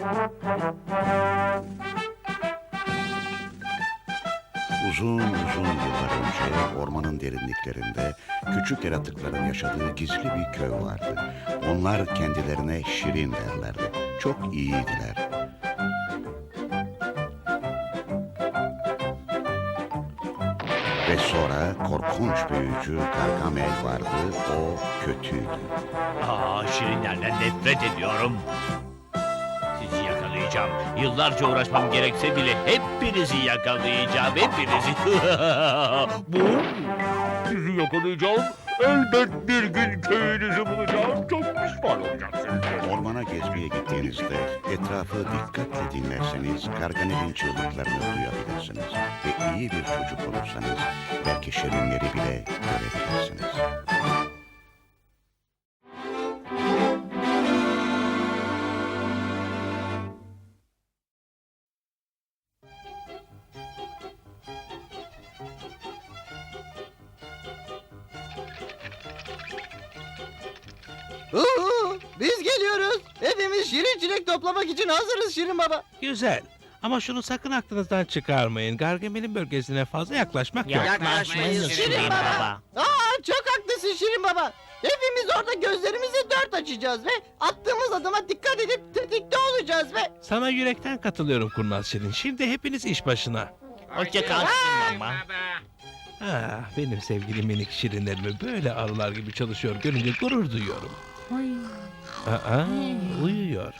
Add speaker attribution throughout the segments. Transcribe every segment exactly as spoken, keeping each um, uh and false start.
Speaker 1: Uzun uzun yıllar önce ormanın derinliklerinde küçük yaratıkların yaşadığı gizli bir köy vardı. Onlar kendilerine Şirin derlerdi. Çok iyiydiler. Ve sonra korkunç büyücü Gargamel vardı. O kötüydü.
Speaker 2: Aa, şirinlerden nefret ediyorum. Sizi yakalayacağım. Yıllarca uğraşmam gerekse bile hepinizi yakalayacağım. Hepinizi. Bu. Sizi yakalayacağım. Elbet bir gün köyünüzü bulacağım. Çok pişman olacaksınız.
Speaker 1: Ormana gezmeye gittiğinizde etrafı dikkatle dinlerseniz Gargamel'in çığlıklarını duyabilirsiniz. Ve iyi bir çocuk olursanız belki şirinleri bile görebilirsiniz.
Speaker 3: Uhu, biz geliyoruz. Hepimiz şirin çilek toplamak için hazırız Şirin Baba.
Speaker 4: Güzel. Ama şunu sakın aklınızdan çıkarmayın. Gargamel'in bölgesine fazla yaklaşmak yok.
Speaker 3: Yaklaşmayız Şirin Baba. Aa, çok haklısın Şirin Baba. Hepimiz orada gözlerimizi dört açacağız ve attığımız adıma dikkat edip tetikte olacağız ve...
Speaker 4: Sana yürekten katılıyorum Kurnaz Şirin. Şimdi hepiniz iş başına.
Speaker 2: Hoşça kal Şirin Baba.
Speaker 4: Ah, benim sevgili minik şirinlerimi böyle arılar gibi çalışıyor görünce gurur duyuyorum. Aa, uyuyor.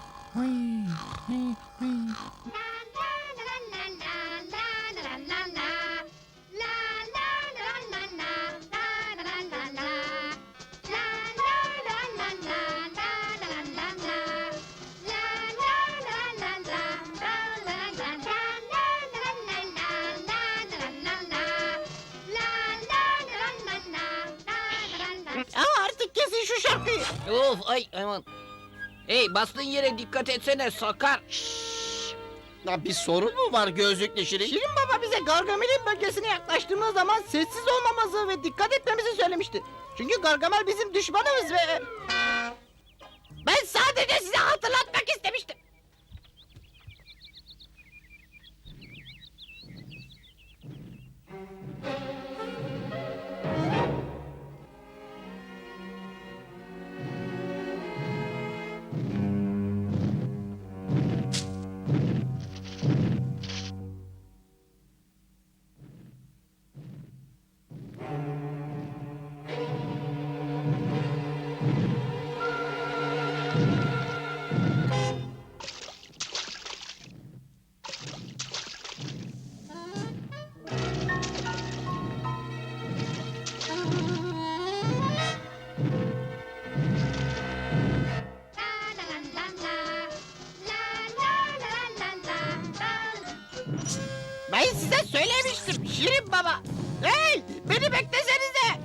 Speaker 3: Aa, artık kesin şu şarkıyı.
Speaker 5: Of ay aman. Hey bastığın yere dikkat etsene sakar.
Speaker 3: Ya bir sorun mu var gözlüklü Şirin? Şirin Baba bize Gargamel'in bölgesine yaklaştığımız zaman sessiz olmamızı ve dikkat etmemizi söylemişti. Çünkü Gargamel bizim düşmanımız ve... Ben sadece size hatırlatmak istemiştim. Ben size söylemiştim Şirin Baba. Hey, beni beklesenize.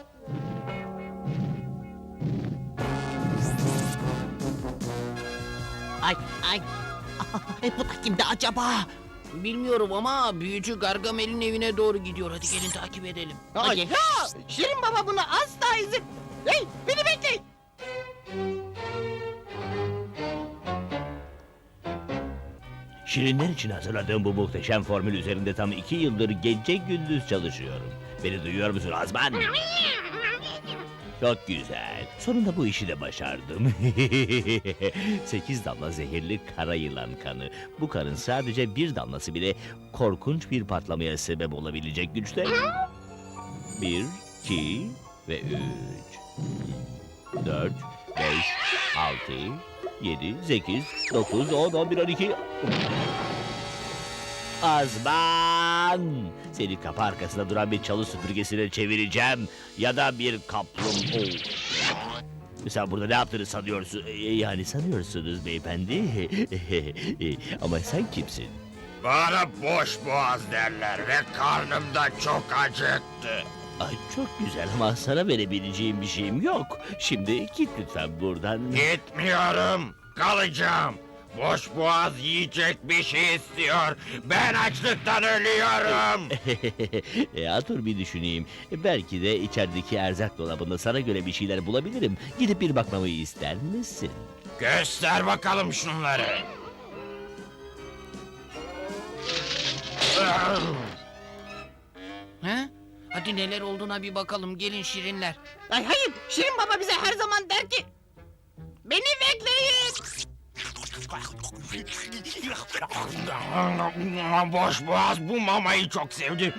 Speaker 5: Ay ay. Ay bu da kimdi acaba? Bilmiyorum ama büyücü Gargamel'in evine doğru gidiyor. Hadi gelin takip edelim.
Speaker 3: Hayır. Ya, Şirin Baba buna asla izin... Hey, beni bekleyin.
Speaker 2: Şirinler için hazırladığım bu muhteşem formül üzerinde tam iki yıldır gece gündüz çalışıyorum. Beni duyuyor musun Azman? Çok güzel. Sonunda bu işi de başardım. Sekiz damla zehirli kara yılan kanı. Bu kanın sadece bir damlası bile korkunç bir patlamaya sebep olabilecek güçte. Bir, iki ve üç. Dört, beş, altı, yedi, sekiz, dokuz, on, on bir, on iki... Azman! Seni kapı arkasında duran bir çalı süpürgesine çevireceğim. Ya da bir kaplumbağa. Sen burada ne yaptığını sanıyorsun? Ee, Yani sanıyorsunuz beyefendi. Ama sen kimsin?
Speaker 6: Bana boş boğaz derler ve karnım da çok acıktı.
Speaker 2: Ay çok güzel ama sana verebileceğim bir şeyim yok. Şimdi git lütfen buradan.
Speaker 6: Gitmiyorum, kalacağım. Boş boğaz yiyecek bir şey istiyor. Ben açlıktan ölüyorum.
Speaker 2: ya dur bir düşüneyim. Belki de içerideki erzak dolabında sana göre bir şeyler bulabilirim. Gidip bir bakmamı ister misin?
Speaker 6: Göster bakalım şunları.
Speaker 5: Ha? Hadi neler olduğuna bir bakalım. Gelin şirinler.
Speaker 3: Ay hayır, Şirin Baba bize her zaman der ki... Beni bekleyin.
Speaker 6: Boş boğaz bu mamayı çok sevdi.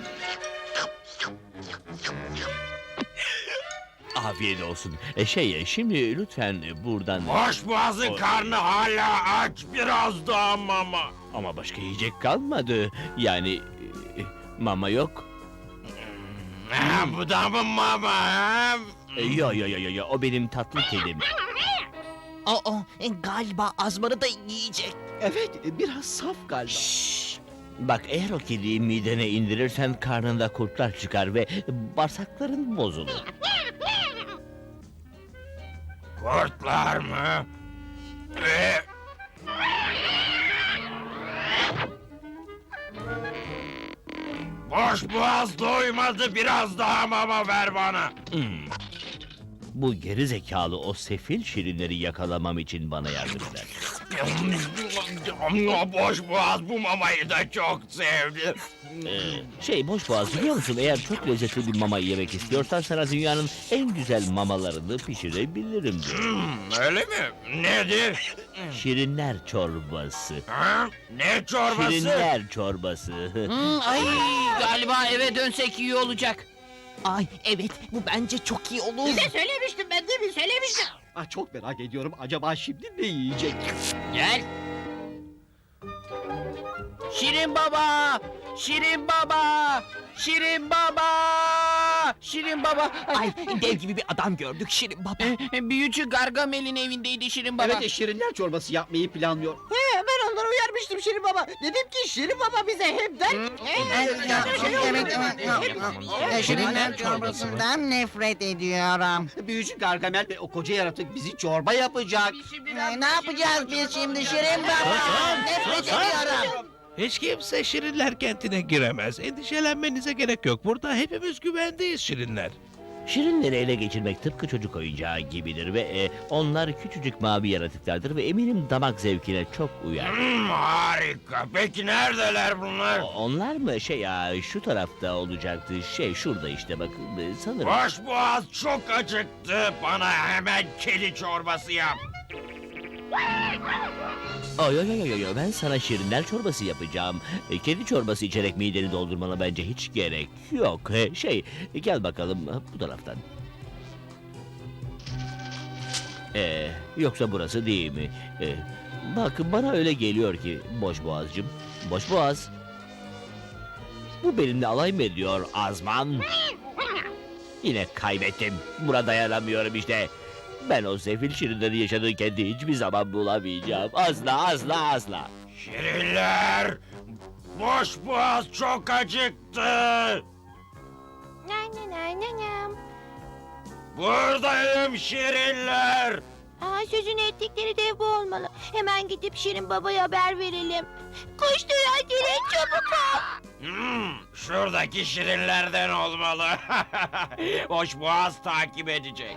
Speaker 2: Afiyet olsun. E, şey, şimdi lütfen buradan...
Speaker 6: Boş boğazın karnı hala aç, biraz daha mama.
Speaker 2: Ama başka yiyecek kalmadı. Yani e, mama yok.
Speaker 6: Ha, bu da mı mama? Ha?
Speaker 2: E, yo yo yo yo yo, o benim tatlı kedim.
Speaker 5: Aa, e, galiba Azman'ı da yiyecek.
Speaker 3: Evet, biraz saf galiba.
Speaker 2: Bak, eğer o kediyi midene indirirsen karnında kurtlar çıkar ve bağırsakların bozulur.
Speaker 6: Kurtlar mı? Ee, Boş boğaz doymadı, biraz daha mama ver bana.
Speaker 2: Hmm. Bu geri zekalı o sefil şirinleri yakalamam için bana yardım eder.
Speaker 6: Boş boğaz bu mamayı da çok sevdi.
Speaker 2: Ee, şey, boş boğaz, biliyor musun? Eğer çok lezzetli bir mama yemek istiyorsan sana dünyanın en güzel mamalarını pişirebilirim diyor.
Speaker 6: Hmm, öyle mi? Nedir?
Speaker 2: Şirinler çorbası.
Speaker 6: Ha? Ne çorbası?
Speaker 2: Şirinler çorbası.
Speaker 5: Hmm, ay, galiba eve dönsek iyi olacak.
Speaker 7: Ay evet bu bence çok iyi olur.
Speaker 3: Size söylemiştim ben değil mi? Söylemiştim. Ah, çok merak ediyorum. Acaba şimdi ne yiyecek?
Speaker 5: Gel. Şirin baba! Şirin baba! Şirin baba! Şirin baba!
Speaker 7: Ay dev gibi bir adam gördük Şirin Baba.
Speaker 5: E, Büyücü Gargamel'in evindeydi Şirin baba.
Speaker 3: Evet, şirinler çorbası yapmayı planlıyor. He, ben onları uyarmıştım Şirin Baba. Dedim ki Şirin Baba bize hep der ki...
Speaker 8: Şirinler çorbasından nefret ediyorum.
Speaker 3: Büyücü Gargamel ve o koca yaratık bizi çorba yapacak.
Speaker 8: Ne yapacağız biz şimdi Şirin Baba? Nefret ediyorum.
Speaker 4: Hiç kimse Şirinler kentine giremez. Endişelenmenize gerek yok. Burada hepimiz güvendeyiz Şirinler.
Speaker 2: Şirinleri ele geçirmek tıpkı çocuk oyuncağı gibidir ve e, onlar küçücük mavi yaratıklardır ve eminim damak zevkine çok uyar.
Speaker 6: Hmm, harika. Peki neredeler bunlar?
Speaker 2: O- Onlar mı? Şey ya, şu tarafta olacaktı. Şey, şurada işte, bakın e, sanırım.
Speaker 6: Boş boğaz çok acıktı. Bana hemen kedi çorbası yap.
Speaker 2: Ay ay ay ay ay, ben sana şirinler çorbası yapacağım. E, Kedi çorbası içerek mideni doldurmana bence hiç gerek yok. E, Şey, gel bakalım e, bu taraftan. Ee, yoksa burası değil mi? E, bak, bana öyle geliyor ki boş boğazcım. Boş boğaz. Bu benimle alay mı ediyor Azman? Yine kaybettim. Buna dayanamıyorum işte. Ben o sefil şirinleri yaşadığı kendi hiçbir zaman bulamayacağım. Asla asla asla.
Speaker 6: Şirinler! Boş boğaz çok acıktı. Buradayım şirinler.
Speaker 9: Aa, sözünü ettikleri dev bu olmalı. Hemen gidip Şirin Baba'ya haber verelim. Koş Duyan gelin çabuk ol.
Speaker 6: Hmm, şuradaki şirinlerden olmalı. Boş boğaz takip edecek.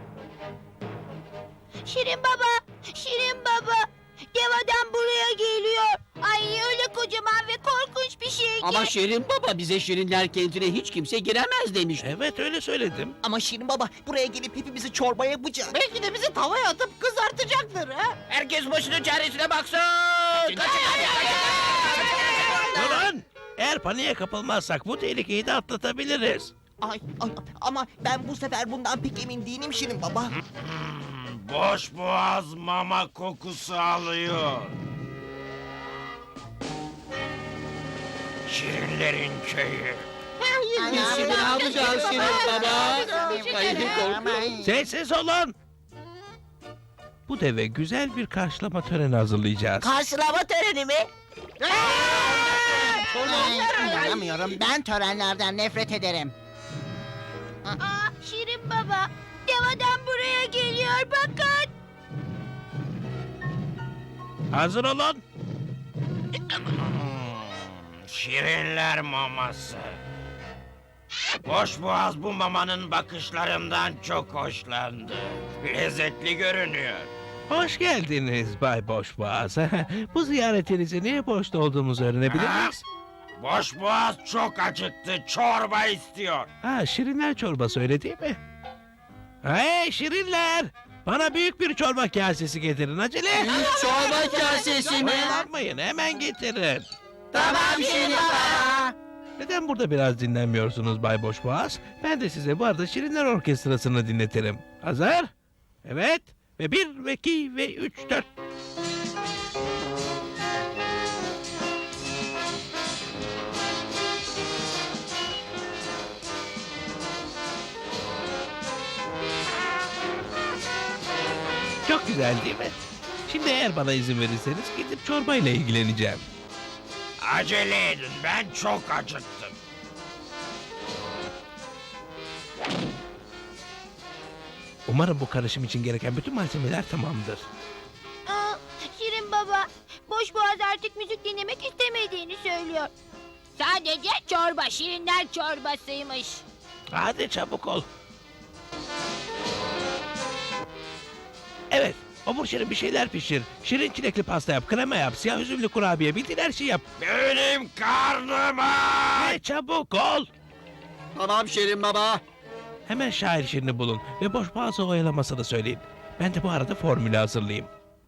Speaker 9: Şirin Baba, Şirin Baba. Dev adam buraya geliyor. Ay öyle kocaman ve korkunç bir şey ki.
Speaker 3: Ama Şirin Baba bize şirinler kentine hiç kimse giremez demişti.
Speaker 4: Evet öyle söyledim.
Speaker 7: Ama Şirin Baba buraya gelip hepimizi çorba yapacak.
Speaker 3: Belki de bizi tavaya atıp kızartacaktır ha.
Speaker 5: Herkes başının çaresine baksın.
Speaker 4: Durun! Eğer paniğe kapılmazsak bu tehlikeyi de atlatabiliriz.
Speaker 7: Ay, ay ama ben bu sefer bundan pek emin değilim Şirin Baba.
Speaker 6: Hmm, boş boğaz mama kokusu alıyor. Şirinlerin köyü.
Speaker 3: Biz şimdi ne yapacağız Şirin Baba? Ay, korkuyorum.
Speaker 4: Sessiz olun! Bu deve güzel bir karşılama töreni hazırlayacağız.
Speaker 8: Karşılama töreni mi? Ay, inanamıyorum. Ben törenlerden nefret ederim.
Speaker 9: Aa, Şirin Baba, dev adam buraya geliyor bakın.
Speaker 4: Hazır olun.
Speaker 6: Şirinler maması. Boşboğaz bu mamanın bakışlarından çok hoşlandı. Lezzetli görünüyor.
Speaker 4: Hoş geldiniz Bay Boşboğaz. Bu ziyaretinizi niye boşta olduğumuzu öğrenebilir miyiz?
Speaker 6: Boşboğaz çok acıktı, çorba istiyor.
Speaker 4: Ha, şirinler çorbası öyle değil mi? Hey şirinler! Bana büyük bir çorba kasesi getirin acele.
Speaker 3: Çorba kasesi mi?
Speaker 4: Oyalanmayın, hemen getirin.
Speaker 3: Tamam Şirin Baba.
Speaker 4: Neden burada biraz dinlenmiyorsunuz Bay Boşboğaz? Ben de size bu arada Şirinler Orkestrası'nı dinletirim. Hazır? Evet. Ve bir, ve iki, ve üç, dört. Çok güzel değil mi? Şimdi eğer bana izin verirseniz gidip çorbayla ilgileneceğim.
Speaker 6: Acele edin, ben çok acıktım.
Speaker 4: Umarım bu karışım için gereken bütün malzemeler tamamdır.
Speaker 9: Aa, Şirin baba, Boşboğaz artık müzik dinlemek istemediğini söylüyor. Sadece çorba, şirinler çorbasıymış.
Speaker 4: Hadi çabuk ol. Evet, obur şirin bir şeyler pişir. Şirin çilekli pasta yap, krema yap, siyah üzümlü kurabiye, bildiğin her şeyi yap.
Speaker 6: Benim karnım aç!
Speaker 4: Ve çabuk ol.
Speaker 3: Tamam Şirin Baba.
Speaker 4: Hemen şair şirini bulun ve Boşboğaz'ı oyalamasını söyleyin. Ben de bu arada formülü hazırlayayım.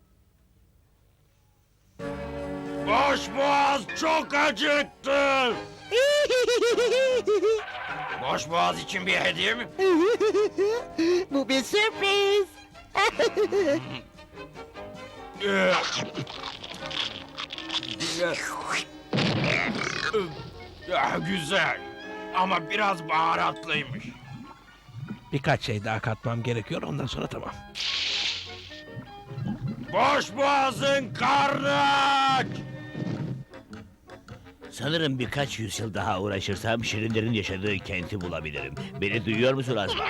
Speaker 6: Boşboğaz çok acıktı. Boşboğaz için bir hediye mi?
Speaker 8: Bu bir sürpriz.
Speaker 6: Ya, güzel. Ama biraz baharatlıymış.
Speaker 4: Birkaç şey daha katmam gerekiyor, ondan sonra tamam.
Speaker 6: Boşboğaz'ın karnı aç!
Speaker 2: Sanırım birkaç yüzyıl daha uğraşırsam şirinlerin yaşadığı kenti bulabilirim. Beni duyuyor musun Azman?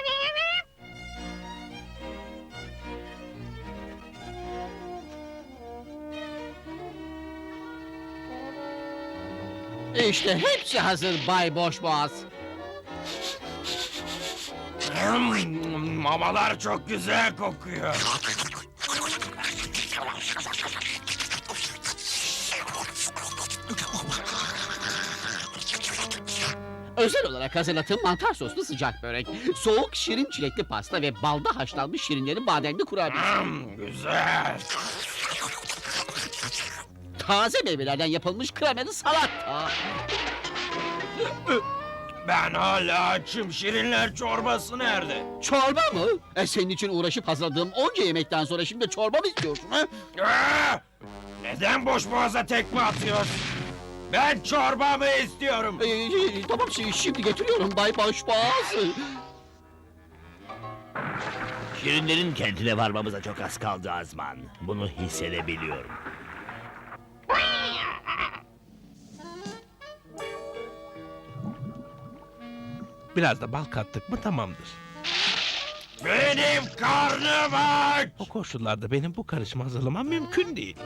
Speaker 3: İşte hepsi hazır Bay Boşboğaz.
Speaker 6: Hmm, mamalar çok güzel kokuyor.
Speaker 3: Özel olarak hazırladığım mantar soslu sıcak börek, soğuk şirin çilekli pasta ve balda haşlanmış şirinlerin bademli kurabiyesi.
Speaker 6: Hmm, güzel.
Speaker 3: Taze meyvelerden yapılmış kremalı salata.
Speaker 6: Ben hala açım. Şirinler çorbası nerede?
Speaker 3: Çorba mı? E senin için uğraşıp hazırladığım onca yemekten sonra şimdi çorba mı istiyorsun ha?
Speaker 6: Aa! Neden boşboğaza tekme atıyorsun? Ben çorbamı istiyorum.
Speaker 3: Ee, tamam şey, şimdi getiriyorum Bay Boşboğaz.
Speaker 2: Şirinlerin kentine varmamıza çok az kaldı Azman. Bunu hissedebiliyorum.
Speaker 4: Biraz da bal kattık mı tamamdır.
Speaker 6: Benim karnım aç.
Speaker 4: O koşullarda benim bu karışımı hazırlamam mümkün değil.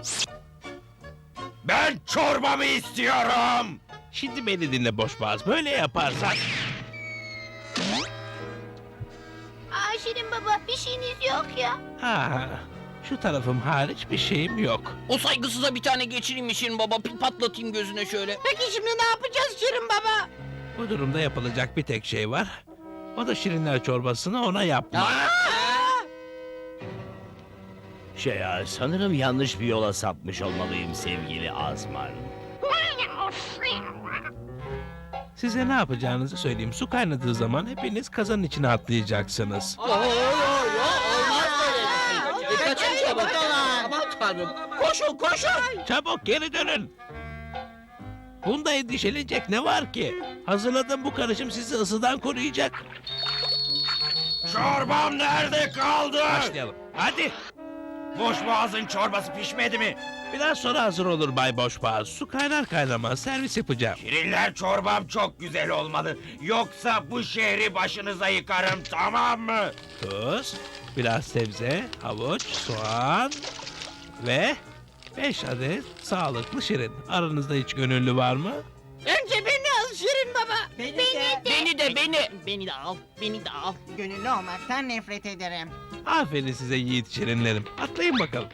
Speaker 6: Ben çorbamı istiyorum.
Speaker 4: Şimdi beni dinle Boşboğaz, böyle yaparsan...
Speaker 9: Aa, Şirin baba, bir şeyiniz yok ya.
Speaker 4: Ha, şu tarafım hariç bir şeyim yok.
Speaker 5: O saygısıza bir tane geçireyim mi Şirin baba? Bir patlatayım gözüne şöyle.
Speaker 8: Peki şimdi ne yapacağız Şirin Baba?
Speaker 4: Bu durumda yapılacak bir tek şey var. O da şirinler çorbasını ona yapmak.
Speaker 2: Şey ya, sanırım yanlış bir yola sapmış olmalıyım sevgili Azman.
Speaker 4: Size ne yapacağınızı söyleyeyim. Su kaynadığı zaman hepiniz kazanın içine atlayacaksınız.
Speaker 3: Oo, olmaz böyle. E, kaçın çabuk. Aman tanrım. Koşun koşun.
Speaker 4: Çabuk geri dönün. Bunda endişelenecek ne var ki? Hazırladığım bu karışım sizi ısıdan koruyacak.
Speaker 6: Çorbam nerede kaldı?
Speaker 4: Başlayalım. Hadi.
Speaker 6: Boşboğazın çorbası pişmedi mi?
Speaker 4: Biraz sonra hazır olur Bay Boşboğaz. Su kaynar kaynamaz servis yapacağım.
Speaker 6: Şirinler çorbam çok güzel olmalı. Yoksa bu şehri başınıza yıkarım, tamam mı?
Speaker 4: Tuz, biraz sebze, havuç, soğan ve beş adet sağlıklı şirin. Aranızda hiç gönüllü var mı?
Speaker 3: Önce beni al Şirin baba.
Speaker 8: Beni,
Speaker 5: Beni de beni.
Speaker 7: Beni de al, beni de al.
Speaker 8: Gönüllü olmaktan nefret ederim.
Speaker 4: Aferin size yiğit şirinlerim. Atlayın bakalım.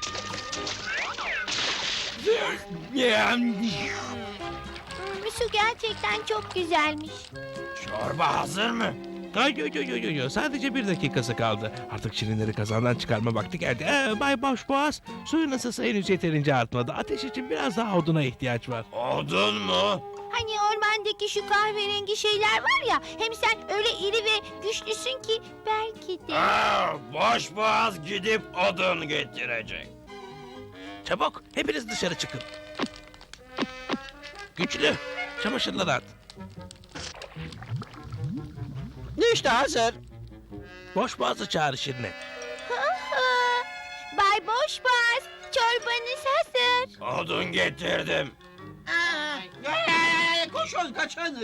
Speaker 9: Hmm, su gerçekten çok güzelmiş.
Speaker 6: Çorba hazır mı?
Speaker 4: Ay, yo, yo, yo, yo, yo. Sadece bir dakikası kaldı. Artık şirinleri kazandan çıkarma vakti geldi. Ee, Bay Boşboğaz, suyun ısısı henüz yeterince artmadı. Ateş için biraz daha oduna ihtiyaç var.
Speaker 6: Odun mu?
Speaker 9: Hani ormandaki şu kahverengi şeyler var ya, hem sen öyle iri ve güçlüsün ki belki de.
Speaker 6: Aa, boş boğaz gidip odun getirecek.
Speaker 4: Çabuk, hepiniz dışarı çıkın. Güçlü, çamaşırları at.
Speaker 3: İşte hazır.
Speaker 4: Boşboğaz'ı çağır şirine.
Speaker 9: Aa, Bay Boşboğaz, çorbanız hazır.
Speaker 6: Odun getirdim.
Speaker 3: Koşun kaçın.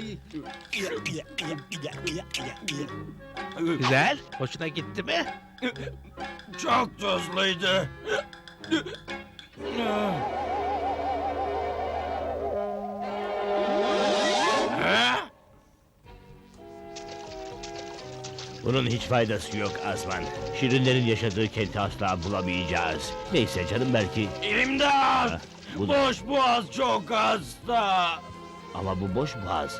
Speaker 4: Güzel, hoşuna gitti mi?
Speaker 6: Çok tuzluydu. Ha?
Speaker 2: Bunun hiç faydası yok Azman. Şirinlerin yaşadığı kenti asla bulamayacağız. Neyse canım belki.
Speaker 6: İmdat!
Speaker 2: Bu da-
Speaker 6: Boş boğaz çok hasta.
Speaker 2: Ama bu boş boğaz.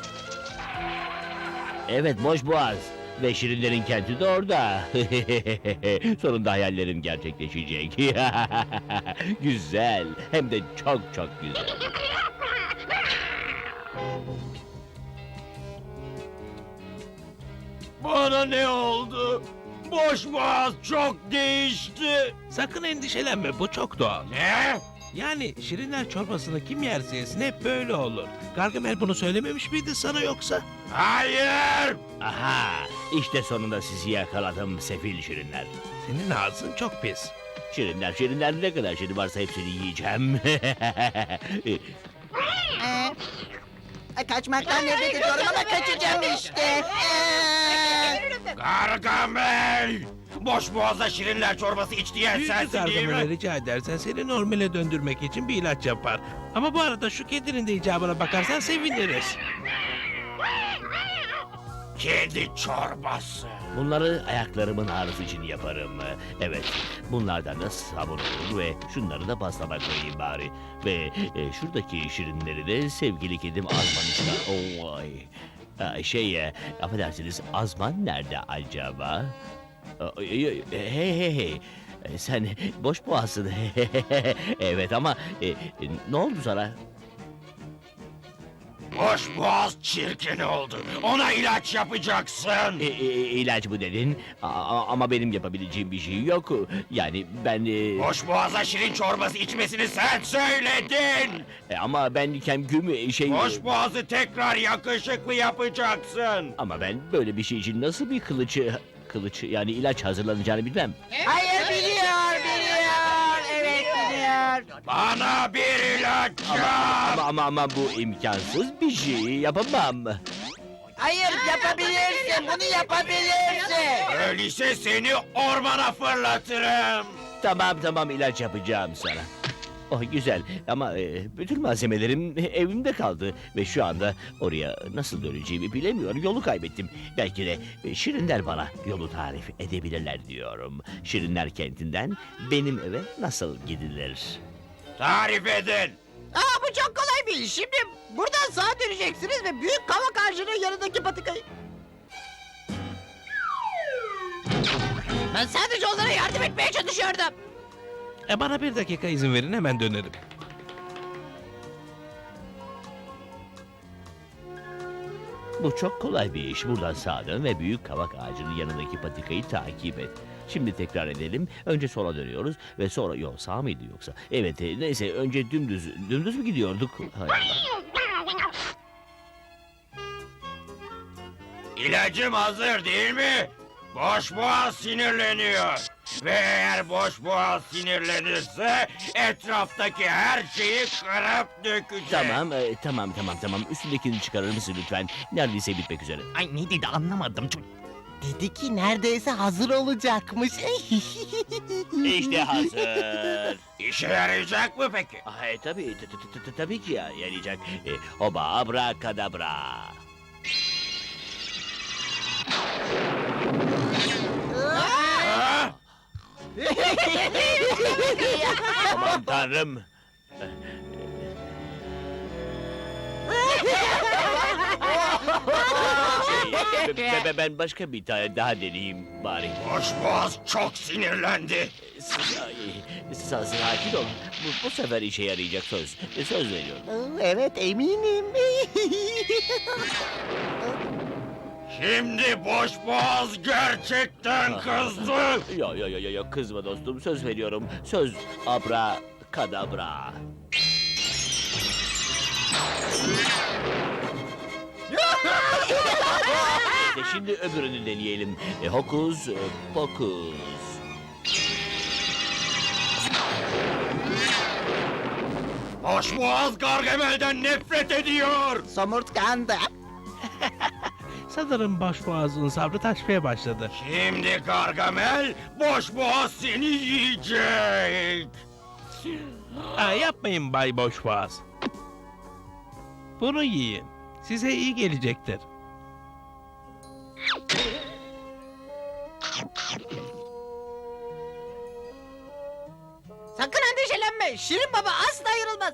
Speaker 2: Evet boş boğaz. Ve şirinlerin kenti de orada. Sonunda hayallerim gerçekleşecek. Güzel. Hem de çok çok güzel.
Speaker 6: Bana ne oldu? Boş boğaz çok değişti.
Speaker 4: Sakın endişelenme, bu çok doğal.
Speaker 6: Ne?
Speaker 4: Yani şirinler çorbasını kim yerse yesin hep böyle olur. Gargamel bunu söylememiş miydi sana yoksa?
Speaker 6: Hayır!
Speaker 2: Aha, işte sonunda sizi yakaladım sefil şirinler.
Speaker 4: Senin ağzın çok pis.
Speaker 2: Şirinler, şirinler ne kadar şirin varsa hepsini yiyeceğim.
Speaker 8: Ee, kaçmaktan nefret ediyorum ama kaçacağım işte. Ee,
Speaker 6: Gargamel! Boş boğaza şirinler çorbası iç diyen
Speaker 4: Büyücü
Speaker 6: sensin değil
Speaker 4: Gargamel'e
Speaker 6: mi?
Speaker 4: rica edersen seni normale döndürmek için bir ilaç yapar. Ama bu arada şu kedinin de icabına bakarsan seviniriz.
Speaker 6: Kedi çorbası.
Speaker 2: Bunları ayaklarımın ağrısı için yaparım. Evet, bunlardan da sabun olur ve şunları da pastama koyayım bari. Ve e, şuradaki şirinleri de sevgili kedim Azman için... Oh, ay. Aa, şey, e, affedersiniz Azman nerede acaba? Aa, Hey hey hey. hey. E, Sen boş boğazsın. Evet ama e, e, ne oldu sana?
Speaker 6: Boş boğaz çirkin oldu. Ona ilaç yapacaksın.
Speaker 2: E, e, ilaç bu dedin. A- a- ama benim yapabileceğim bir şey yok. Yani ben... e,
Speaker 6: Boş boğaza şirin çorbası içmesini sen söyledin.
Speaker 2: e, ama ben kendimi şey...
Speaker 6: Boş boğazı tekrar yakışıklı yapacaksın.
Speaker 2: Ama ben böyle bir şey için nasıl bir kılıç... Kılıç yani ilaç hazırlanacağını bilmem.
Speaker 8: hayır biliyor, biliyor. Evet biliyor.
Speaker 6: Bana bir ilaç yap.
Speaker 2: Ama ama ama bu imkansız bir şey yapamam.
Speaker 8: Hayır yapabilirsin, bunu yapabilirsin.
Speaker 6: Öyleyse seni ormana fırlatırım.
Speaker 2: Tamam tamam ilaç yapacağım sana. Oh güzel ama e, bütün malzemelerim evimde kaldı ve şu anda oraya nasıl döneceğimi bilemiyorum. Yolu kaybettim. Belki de e, Şirinler bana yolu tarif edebilirler diyorum. Şirinler kentinden benim eve nasıl gidilir?
Speaker 6: Tarif edin.
Speaker 3: Aa bu çok kolay bir iş. Şimdi buradan sağa döneceksiniz ve büyük kavak ağacının yanındaki patikayı... Ben sadece onlara yardım etmeye çalışıyordum.
Speaker 4: E bana bir dakika izin verin, hemen dönerim.
Speaker 2: Bu çok kolay bir iş. Buradan sağa dön ve büyük kavak ağacının yanındaki patikayı takip et. Şimdi tekrar edelim. Önce sola dönüyoruz ve sonra... Yok sağ mıydı yoksa? Evet e, neyse önce dümdüz... Dümdüz mü gidiyorduk? Hay Allah.
Speaker 6: İlacım hazır değil mi? Boş boğaz sinirleniyor. Ve eğer boş boğaz sinirlenirse etraftaki her şeyi kırıp dökecek.
Speaker 2: Tamam, e, tamam, tamam, tamam. Üstündekini çıkarır mısın lütfen? Neredeyse bitmek üzere.
Speaker 7: Ay ne dedi anlamadım. Dedi ki neredeyse hazır olacakmış.
Speaker 2: İşte hazır.
Speaker 6: İşe yarayacak mı peki?
Speaker 2: Ay tabii, t- t- t- tabii ki ya, yarayacak. E, oba abrakadabra.
Speaker 6: Ha?
Speaker 2: Aman tanrım. Şey, be- be- ben başka bir tane daha deneyeyim bari.
Speaker 6: Boşboğaz çok sinirlendi.
Speaker 2: S- ay, sa- Sakin ol. Bu, bu sefer işe yarayacak söz. E, Söz veriyorum.
Speaker 7: Evet eminim.
Speaker 6: Şimdi boşboğaz gerçekten kızdı.
Speaker 2: Yo yo yo yo yo kızma dostum, söz veriyorum. Söz abra kadabra. İşte şimdi öbürünü deneyelim. E, hokus e, pokus.
Speaker 6: Boşboğaz Gargamel'den nefret ediyor.
Speaker 7: Somurtkandı.
Speaker 4: Sanırım başboğazın sabrı taşmaya başladı.
Speaker 6: Şimdi Gargamel boşboğaz seni yiyecek.
Speaker 4: Aa, yapmayın Bay Boşboğaz. Bunu yiyin. Size iyi gelecektir.
Speaker 3: Sakın endişelenme. Şirin Baba asla ayrılmaz.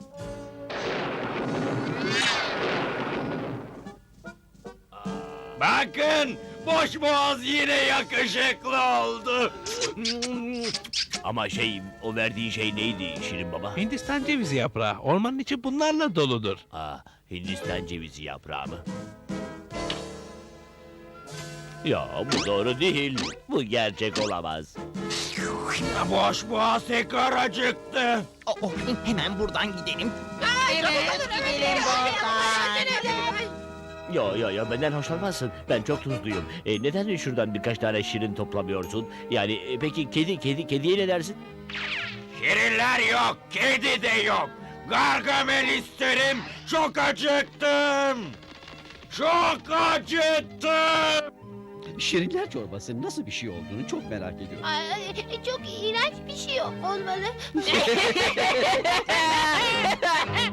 Speaker 6: Bakın boşboğaz yine yakışıklı oldu.
Speaker 2: Ama şey, o verdiğin şey neydi Şirin Baba?
Speaker 4: Hindistan cevizi yaprağı. Ormanın içi bunlarla doludur.
Speaker 2: Aa, Hindistan cevizi yaprağı mı? Ya bu doğru değil. Bu gerçek olamaz.
Speaker 6: Boşboğaz tekrar acıktı.
Speaker 7: Oh, oh, hemen buradan gidelim.
Speaker 8: Gidelim buradan.
Speaker 2: Yo yo yo benden hoşlanmazsın. Ben çok tuzluyum. E, neden şuradan birkaç tane şirin toplamıyorsun? Yani e, peki kedi kedi kediye ne dersin?
Speaker 6: Şirinler yok, kedi de yok. Gargamel isterim, çok acıktım. Çok acıktım.
Speaker 10: Şirinler çorbası nasıl bir şey olduğunu çok merak ediyorum.
Speaker 9: Ay, çok iğrenç bir şey olmalı.